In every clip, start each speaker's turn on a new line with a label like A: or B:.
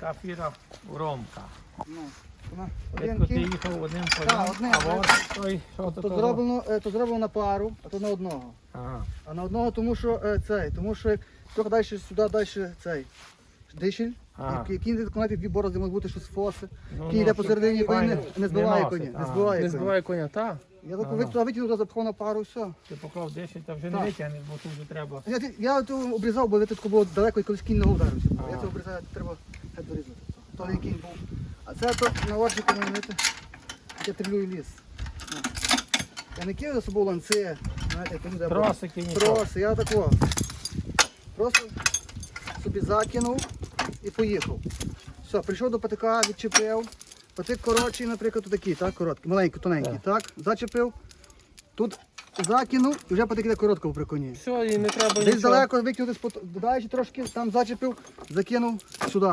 A: така фіра Ромка.
B: Ну,
A: Рідко ти їхав одним конем, а от той, що то
B: то зроблено на пару, а то на одного.
A: Ага.
B: А на одного, тому що як трохи далі сюди, далі дишель,
A: Ага.
B: кінь виконати дві борозди, можуть бути щось фоси.
A: Ну,
B: Кінь йде посередині,
A: щоб
B: коні
A: файно
B: не збиває
A: носить,
B: коні.
A: ага.
C: Не збиває коня, так?
B: Я так витягнув, запхав на пару, все.
A: Ти поклав 10, та вже не
B: Так.
A: витягнеш, бо тут вже треба.
B: Я то обрізав, бо тут було далеко, і колись кінь не ударився.
A: Ага.
B: Я це обрізаю, треба геть дорізати. То не кінь був. А це то на орчику, я трилюю ліс. Я не кидаю за собою ланци, знаєте, як люди.
A: Тросики нічого.
B: Троси, я такого. Просто собі закинув і поїхав. Все, прийшов до патика, відчепив. Патик коротший, наприклад, такий, так, короткий, маленький, тоненький, так, зачепив. Тут закинув і вже патик іде коротко при коні.
C: Все, і не треба
B: Десь
C: нічого.
B: далеко викинути, додаючи трошки, там зачепив, закинув сюди.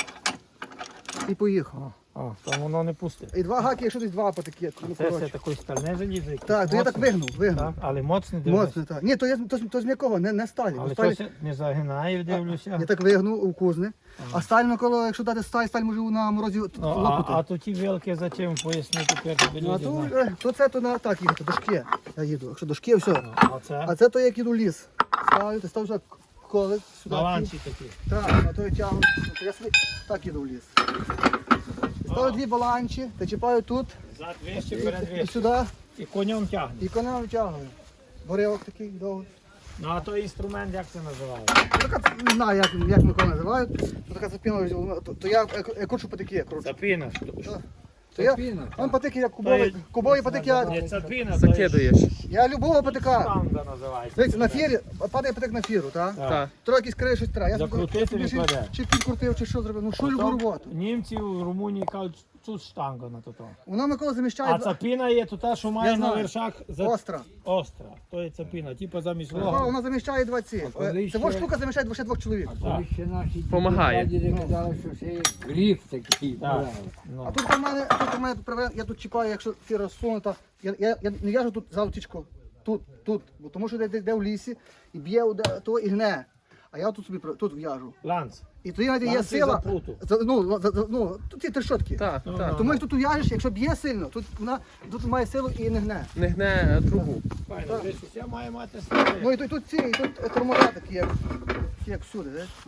B: І поїхав.
A: О, то воно не пусте.
B: І два гаки, якщо десь два патики, ну,
A: Це все
B: коротше.
A: такий стальне залізо.
B: Так, то я так вигнув.
A: Так, але моцний дивись.
B: Моцно, так. Ні, то з м'якого, не сталі.
A: Але
B: Сталі-
A: щось не загинає, дивлюся.
B: Я так вигнув у кузни. А сталь навколо, якщо дати сталь може на морозі
A: Ну,
B: лопнути.
A: а то ті вилки зачем пояснити тепер тобі
B: Ну, а
A: люди
B: то,
A: знають.
B: то це то на так їхати, до шки я їду. Якщо до шки, все.
A: А це
B: А це то як їду в ліс. Ставлю, ти став вже колик сюди.
A: баланці такі.
B: Так, на той тягну. То я собі так їду в ліс. Ставлю дві баланчі, та чіпаю тут
A: Зад вище, перед
B: і
A: вище.
B: сюди,
A: І конем тягне.
B: і коня витягую. Боревок такий довгий.
A: Ну а той інструмент як це називає?
B: Така, не знаю, як Микола називають. То така запіна, то я кручу патики, кручу.
A: Запина.
B: То я, он патики, як кубові патики,
A: Не цапина,
C: Закидаєш.
B: я любого патика.
A: Штанга називається.
B: Дивіться, на фірі, падає патик на фіру, так?
C: Так.
B: Трохи якісь крає щось треба. Я
A: Закрутити
B: собі
A: відкладе.
B: чи підкрутив, чи що зробив. Ну що любу роботу.
A: Німці в Румунії кажуть, тут штанга на то.
B: Воно Микола заміщає
A: А цапіна є то та, що має
B: Я
A: на
B: знаю.
A: вершах
B: остра.
A: остра. То є цапіна, типу замість
B: О,
A: лога.
B: вона заміщає два ці.
D: коли
B: Це
D: ще-
B: штука заміщає ще двох чоловік.
D: Коли ще наші
C: Помагає.
D: діди казали, що це є гриф такий.
A: Так.
D: брали.
A: Ну.
B: А тут у мене я тут чіпаю, якщо фіра сунута, я не в'яжу тут залотічку. Тут, бо тому що де в лісі, і б'є то і гне. А я тут собі тут в'яжу.
A: Ланц.
B: І тоді навіть є
A: Ланці
B: сила.
A: запруту.
B: Ну, тут ці трещотки.
C: Так,
A: Ну,
C: так.
B: Тому як тут в'яжеш, якщо б'є сильно, тут має силу і не гне.
C: Не гне трубу.
A: Файно, десь усе має мати стати.
B: Ну і тут ці, і тут тормоза такі, як всюди.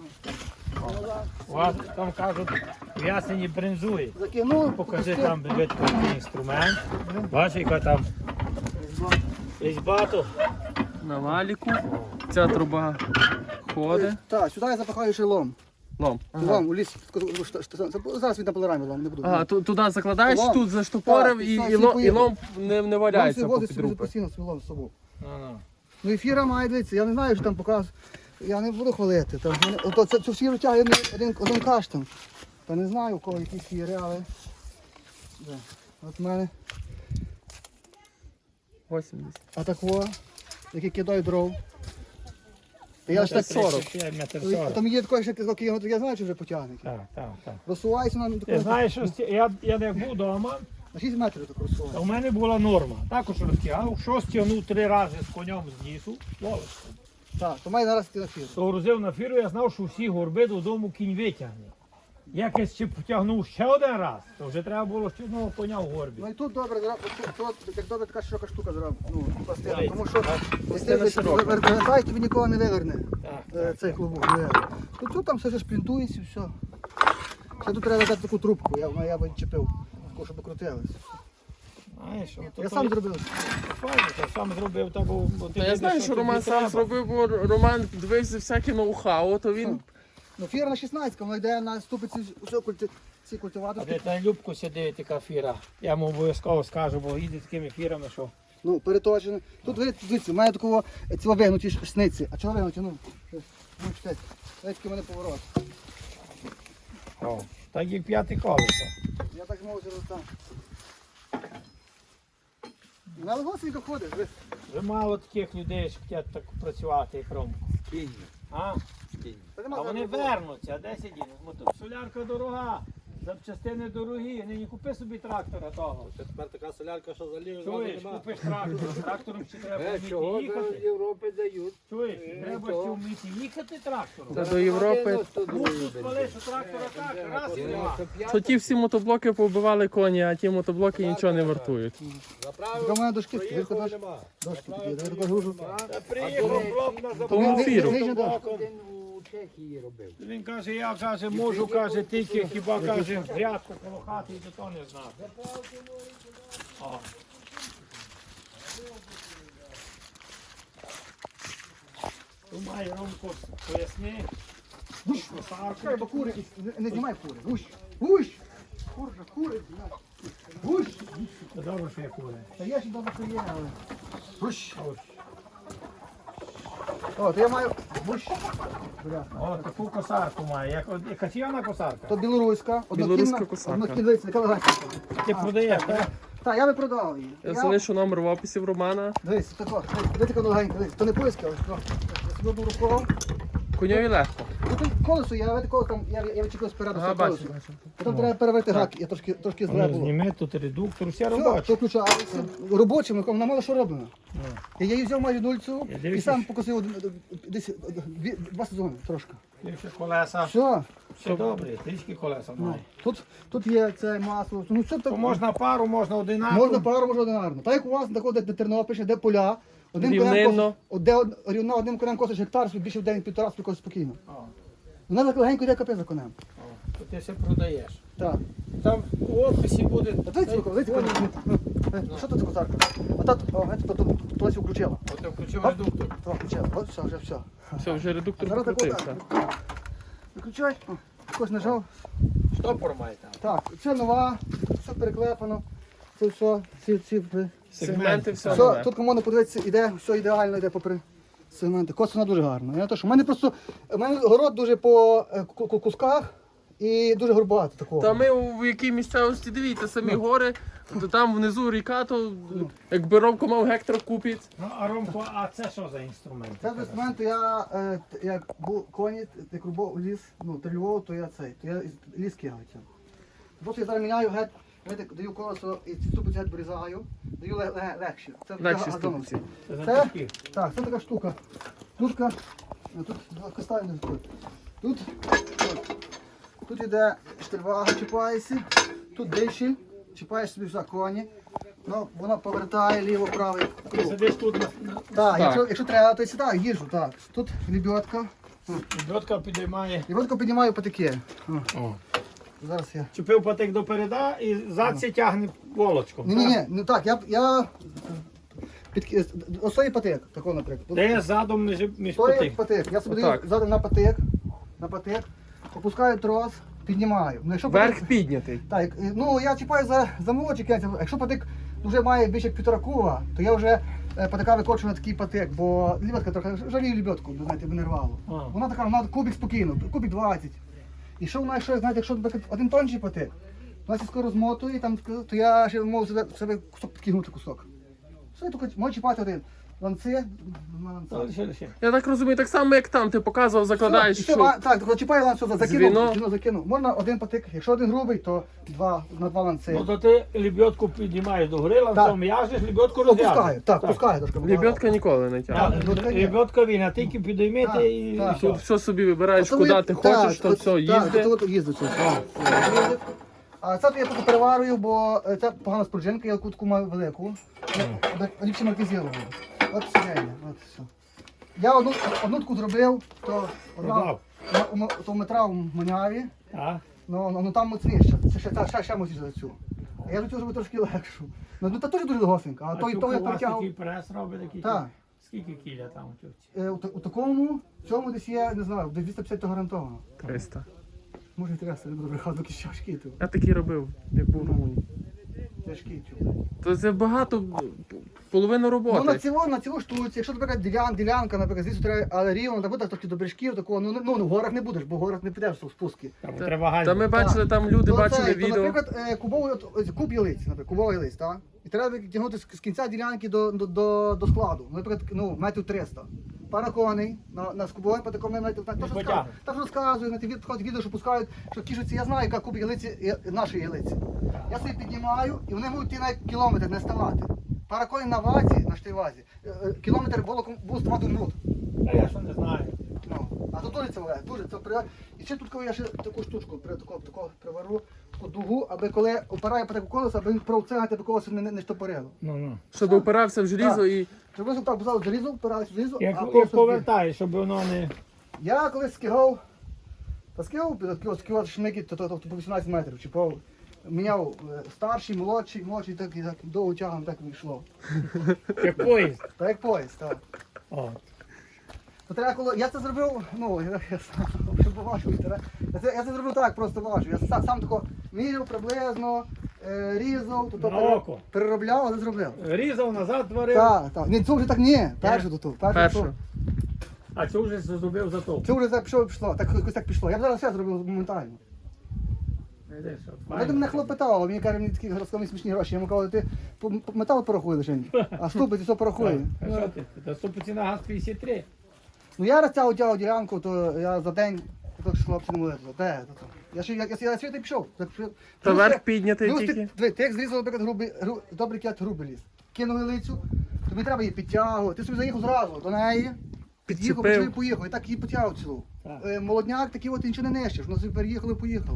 A: У вас там кажуть, в ясені брензує.
B: Закинув,
A: Покажи там бідко який інструмент. Бачиш, яка там різьба то.
C: На валіку. Ця труба ходить.
B: Так, сюди я запахаю ще лом.
C: Лом.
B: Лом у лісі. Зараз він на полорамі лом, не буду.
C: Ага, туди закладаєш,
B: Лом.
C: тут заштопорив
B: Так,
C: і,
B: так,
C: і,
B: всі
C: лом, і
B: поїдуть.
C: лом не валяється
B: Лом
C: по
B: возить собі
C: підрубах.
B: постійно свій лом з собою.
A: Ну.
B: Ну і фіра має, дивіться, я не знаю, що там показує. Я не буду хвалити. Там, цю фіру тягає один каштан. Та не знаю, у кого які фіри, але... Де? От в мене
C: 80.
B: атакова, які кидають дров. Я ж так
A: 40. Метр 40.
B: Там є такий, що я знаю, що вже потягне.
A: Так.
B: Розсуваюся на
A: Ти
B: таку,
A: знаєш, що я не був вдома,
B: на 6 метрів так розсуваю.
A: а у мене була норма. Також розтягав, що стягнув 3 рази з конем з лісу, ловиш.
B: Так, то має зараз йти на фіру.
A: То грузив на фіру, я знав, що всі горби додому кінь витягне. Якось ще потягнув ще один раз, то вже треба було ще одного коня в горбі.
B: Ну і тут добре, тут як добре така широка штука зробила, ну, пластина,
A: Дивіться,
B: тому що
C: Пластина
B: якщо
C: широка.
B: вертаєте, тобі нікого не виверне
A: Так.
B: цей клубок. не виверне. Тут там все шплінтується і все. Ще тут треба дати таку трубку, я б чіпив, таку, щоб крутилось.
A: Знаєш,
B: Я сам зробив.
A: Я сам зробив, та був.
C: Та я знаю, що Роман сам зробив, бо Роман дивився всяке ноу-хау, то він...
B: Ну, фіра на 16, вона йде на ступиці ці
A: А
B: культиваторські.
A: де та Любку сидить така фіра. Я йому обов'язково скажу, бо їде такими фірами, що.
B: Ну, переточені. Тут дивіться, у мене такого цього вигнуті шниці. А чого вигнуті? Ну, чекайте. Такий в мене поворот.
A: О, так як 5 колесо.
B: Я так можу там. На легосенько ходиш, дивись.
A: Вже мало таких людей, що хочуть так працювати, як Ромко.
D: Кінь.
A: А?
D: Кінь.
B: Та нема
A: А вони
B: зараз.
A: вернуться, а де сидіти? Солярка дорога. Запчастини дорогі, нині купи собі трактора того.
E: Це тепер така солярка, що залів
A: Чуєш,
E: нема.
A: купиш трактор, трактором ще треба
D: Чого
A: вміти
D: до
A: їхати.
D: Європи дають?
A: Чуєш, треба ще вміти їхати трактором.
C: Це до Європи.
A: Мусу спалиш трактора так, раз і два.
C: То ті всі мотоблоки повбивали коні, а ті мотоблоки нічого не вартують.
E: Заправив,
B: Така в мене дошки,
E: проїхав,
B: дошки,
E: нема.
B: дошки такі, я таку гружу.
A: Та приїхав хлоп на
C: Тому
A: заправку.
C: фіру.
D: Один у Чехії робив.
A: Він каже, я каже, можу, каже, тільки хіба каже, грядку коло хати і до того не знав. О. Думає, Ромко, поясни.
B: Чекай, бо кури, не знімай кури. Гущ, гущ. Курка, кури. Гущ.
A: Добре, що я кури.
B: Та я ще добре, що є, але... Гущ. О, то я маю гущ. Бля.
A: О, таку косарку має, як качівна косарка.
B: То білоруська,
C: Білоруська косарка.
B: однокінниця, така легенька.
A: Ти продаєш, так?
B: Так, я би продав її.
C: Я залишу номер в описі в Романа.
B: Дивись, тако, дивись, така легенька, дивись. То не польська, але тако. Я собі одну рукою.
C: Коньові легко.
B: Тут колесо, я такого там, я відчепив спереду
C: Ага,
B: все
C: бачу,
B: колесо.
C: бачу.
B: Потім треба переверти гак, я трошки зле було.
A: Зніми тут редуктор, все
B: Все,
A: робоче.
B: то включається. Робочим, вона мало що роблено. Я її взяв майже нульцю
A: Я
B: і
A: дивлюсь.
B: сам покосив десь 2 сезони трошки.
A: Більше колеса.
B: Все,
A: Все добре, трішки колеса має.
B: тут є це масло. Ну, все
A: То
B: так,
A: можна пару, можна одинаково.
B: можна пару, можна одинарно. Так як у вас, де Тернопіль, де поля,
C: Рівнинно.
B: рівно одним конем косиш гектар, собі більше в день півтора спокійно спокійно.
A: О,
B: Вона так легенько йде капець за конем.
A: то ти все продаєш.
B: Так.
A: Там у офісі буде.
B: А дивіться, що тут за козарка? А тут, то включила.
A: От ти включив
B: Оп.
A: редуктор.
B: То включила. От все, вже все.
C: Все, вже редуктор
B: Зараз так
C: покрутився.
B: Виключай. Якось нажав.
A: Штопор має там.
B: Так, це нова, все переклепано. Це все,
C: Сегменти, все
B: все.
C: нове.
B: Тут кому не подивитися, іде, все ідеально йде попри сегменти. Косина дуже гарна. Я то, що, у мене город дуже по кусках і дуже горбато такого.
C: Та ми в якій місцевості дивіться, самі гори, то там внизу ріка, то якби Ромко мав гектар купить.
A: Ну, а Ромко, а це що за інструмент?
B: Це з інструменту як був коні, як рубав ліс, трильовував, то я ліс кигав. Просто я зараз міняю геть, даю колесо і ці ступиці геть вирізаю, даю легші. Це
C: Легші
B: газоновські.
A: Це за
B: Це,
A: такі.
B: так, це така штука. Штучка, тут поставлю тут іде штирвага, чіпаєшся, тут диші, чіпаєш собі за коні, ну, вона повертає ліво-правий
A: Ти
B: круг.
A: сидиш тут
B: Так,
C: Так.
B: якщо треба, то сідаю, їжу, так. Тут лебедка.
A: лебедка підіймає.
B: Лебедку піднімаю патики. Зараз я.
A: Чупив патик до переда і задці тягне волочком.
B: Ні, не так, я ось той патик, такого, наприклад.
A: Де задом між
B: Той
A: патик.
B: патик. Я собі даю
C: Отак.
B: задом на патик, опускаю трос, піднімаю. Ну, якщо
C: Верх
B: патик,
C: піднятий.
B: так, ну я чіпаю за молодший кінець. Якщо патик вже має більше як 1,5 куба, то я вже патика викочу на такий патик, бо лебедка трохи жалію лебедку, знаєте, би не рвало.
A: А.
B: Вона така, вона кубик спокійно, кубик 20. І що вона, якщо наприклад, один тонший патик, вона сі скоро змотує, там, то я ще можу себе кусок підкинути кусок. Все, я тільки можу чіпати один. Ланци,
A: Лише.
C: Я так розумію, так само як там, ти показував, закладаєш,
B: Все,
C: що
B: так, чіпаю ланцю,
C: Звіно.
B: закинув. Можна один патик, якщо один грубий, то на два ланци.
A: Ну то ти лебедку піднімаєш до гори, ланцом в'яжеш, лебедку
B: Опускаю,
A: розв'яжеш.
B: пускаю трошки.
C: лебедка ніколи не тягне.
A: Лебедка він, а тільки підіймете і
B: Так,
A: все.
C: Тут все собі вибираєш,
B: Оце
C: куди
B: ви-
C: ти
B: так,
C: хочеш, то
B: от-
C: все,
B: так,
C: їзди.
B: от їздить. Їздить. А це я поки переварюю, бо це погана спруджинка, я таку маю велику. Ліпше маркізірую. От сидіння, от все. Я одну таку зробив, то одна
A: Продав.
B: то метра в Маняві,
A: А?
B: ну там моцніше, це ще моцніше за цю. А я за цю зробив трошки легшу. Ну та теж дуже довгосенька, а
A: А
B: то
A: цю
B: я
A: у вас
B: перетягав.
A: такий прес робить такий?
B: Так.
A: Скільки кіля там у тюрці?
B: У такому, цьому десь є, не знаю, десь 250 то гарантовано.
C: 300.
B: Може 300, не буду брехати, якісь тяжкі тут.
C: Я такий робив, як був в Румунії.
B: Тяжкі чу.
C: То це багато, половина
B: Ну
C: роботи.
B: на цілу штуці, якщо, наприклад, ділянка, наприклад, звідси треба, але рівно, так буде трохи до бережків, такого, ну в горах не будеш, бо в горах не підеш в спуски.
A: Там
C: Та-
A: треба
C: Та
A: гальма.
C: ми бачили, там люди
B: То
C: бачили
B: цей, то,
C: відео.
B: наприклад, куб ялиць, наприклад, кубовий ялиць, так? І треба тягнути з кінця ділянки до складу, наприклад, метрів 300. паракони на скубові, по такому навіть так
A: Не
B: що
A: потягне.
B: так розказую, на ті відео, що пускають, що кішуці, я знаю, яка куб ялиці, нашої ялиці. Я собі піднімаю, і вони можуть йти навіть кілометр не ставати. Паракони на вазі, на штивазі, кілометр волоком був ставати минут.
A: А я що не знаю.
B: Ну, а тут дуже це при... І ще тут коли я ще таку штучку таку привару, таку дугу, аби коли опирає по таку колесо, аби він провцегати, аби колесо не штопорило.
A: Ну.
C: Щоб опирався в желізо і.
B: Щоб ви так бузали залізо, впирались в залізо, а
A: Як
B: колесо...
A: повертаєш, щоб воно не...
B: Я колись скигав, скигав шмики, то по 18 метрів, чи по... Міняв старший, молодший, так довго тягом так вийшло.
A: Як поїзд.
B: Так як поїзд, так.
A: О.
B: То треба, коли я це зробив, ну, я сам вже поважу, я це зробив так, просто важу. Я сам тако міряв приблизно, різав,
A: На око.
B: переробляв, але зробив.
A: Різав, назад творив.
B: Так. Ні, це вже так ні, перше до того.
C: Перше.
A: А це вже зробив за то.
B: Це вже так пішло, так якось так пішло. Я б зараз все зробив моментально. Я до мене хлоп питав, мені каже, мені такі розказали смішні гроші. Я йому кажу, ти метал порахуй лише, а ступи ти все порахуй.
A: А що ти? Та ступиці на газ 53.
B: Ну я розтягав ділянку, то я за день, то хлопці не могли. Де? Я світи пішов.
C: Та верх піднятий тільки.
B: Ти як зрізав, наприклад, добрий кіт грубий ліс. Кинули лицю, тобі треба її підтягувати. Ти собі заїхав зразу до неї, під'їхав,
C: Підчепив.
B: і поїхав. І так її потягав цілу.
A: Так.
B: Молодняк такий от ти нічого не нищиш, воно собі переїхало і поїхало.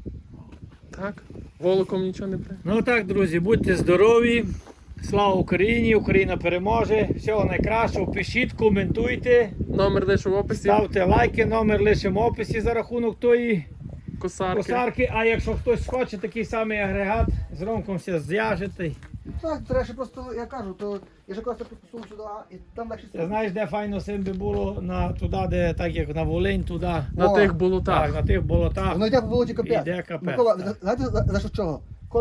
C: Так. Волоком нічого не при.
A: Ну так, друзі, будьте здорові. Слава Україні! Україна переможе. Всього найкращого. Пишіть, коментуйте,
C: Номер лише в описі.
A: ставте лайки, номер лишимо в описі за рахунок тої
C: Косарки.
A: косарки. А якщо хтось хоче такий самий агрегат, з Ромком все зв'яжете.
B: Так, треба ще просто, я кажу, то я ж якраз посунув сюди, і там далі
A: Ти знаєш, де файно сим би було туди, де так як на Волинь, туди.
C: На
B: О,
C: тих
A: Так,
C: болотах.
A: на тих болотах.
B: Воно йде по болоті капець.
A: Іде капець,
B: Микола,
A: так.
B: знаєте за що чого?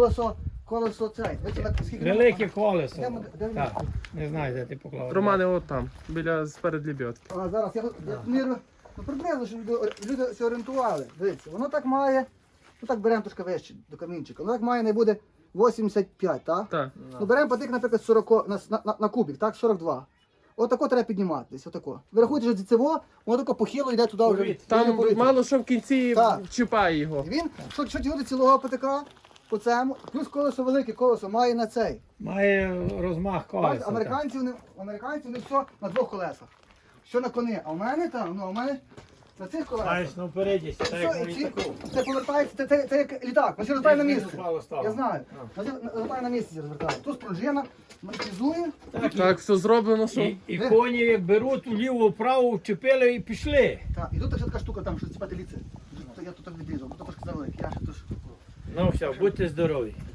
B: Колесо цей. Скільки
A: Велике колесо.
B: Де ми-
A: Так, не знаю, де ти поклав.
C: Романе, от там, біля сперед лебідки.
B: А зараз я мірю, ну приблизно, щоб люди се орієнтували. Дивіться, воно так має, ну так беремо трошки вище до камінчика, воно так має не буде 85, так?
C: Так.
B: Ну беремо потик, наприклад, 40, на кубик, так, 42. Отако треба підніматися, отако. Ви рахуєте, що це воно тако похило йде туди вже.
A: Повітря.
C: Там
B: повітря.
C: мало що в кінці
B: Так.
C: чіпає його.
B: І він, що тягнути цілого потика по цьому, плюс колесо велике, колесо має на цей.
A: Має розмах колеса.
B: Бачите, американці вони все на двох колесах. Що на коні, а в мене там, ну, а в мене на цих колесах.
A: Знаєш, ну впереді, так як
B: Все,
A: на
B: і
A: літаку.
B: це повертається, це як літак, він розвертає на місце.
A: Впало, стало.
B: Я знаю, розвертає на місці розвертає. Тут спружина, монетизує.
C: Так, все зроблено, що.
A: І коні як беруть вліво, вправо, вчепили і пішли.
B: Так, і тут ще така штука, там, що ціпати ліце. Я тут так відрізав, тут трошки завелик, я ще тут.
A: Ну все, будьте здорові.